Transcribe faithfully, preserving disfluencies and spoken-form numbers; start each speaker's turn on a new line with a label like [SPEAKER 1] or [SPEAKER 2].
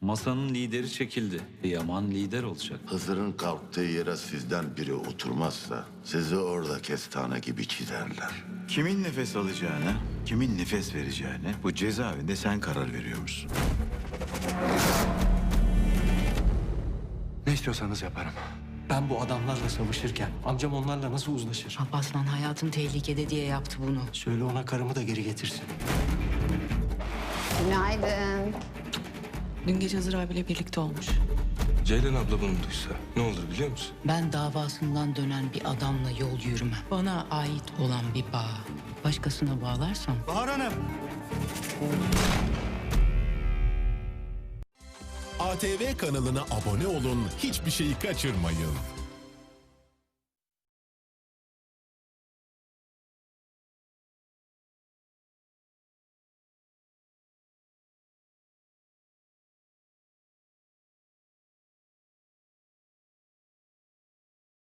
[SPEAKER 1] Masanın lideri çekildi. Yaman lider olacak.
[SPEAKER 2] Hızır'ın kalktığı yere sizden biri oturmazsa sizi orada kestane gibi çizerler.
[SPEAKER 3] Kimin nefes alacağına, kimin nefes vereceğine bu cezaevinde sen karar veriyormuşsun.
[SPEAKER 4] Ne istiyorsanız yaparım. Ben bu adamlarla savaşırken amcam onlarla nasıl uzlaşır?
[SPEAKER 5] Alparslan hayatım tehlikede diye yaptı bunu.
[SPEAKER 4] Söyle ona karımı da geri getirsin.
[SPEAKER 6] Günaydın.
[SPEAKER 5] Dün gece Hızır abiyle birlikte olmuş.
[SPEAKER 7] Ceylan abla bunu duysa ne olur biliyor musun?
[SPEAKER 5] Ben davasından dönen bir adamla yol yürümem. Bana ait olan bir bağ başkasına bağlarsam...
[SPEAKER 4] Bahar Hanım!
[SPEAKER 8] A T V kanalına abone olun, hiçbir şeyi kaçırmayın.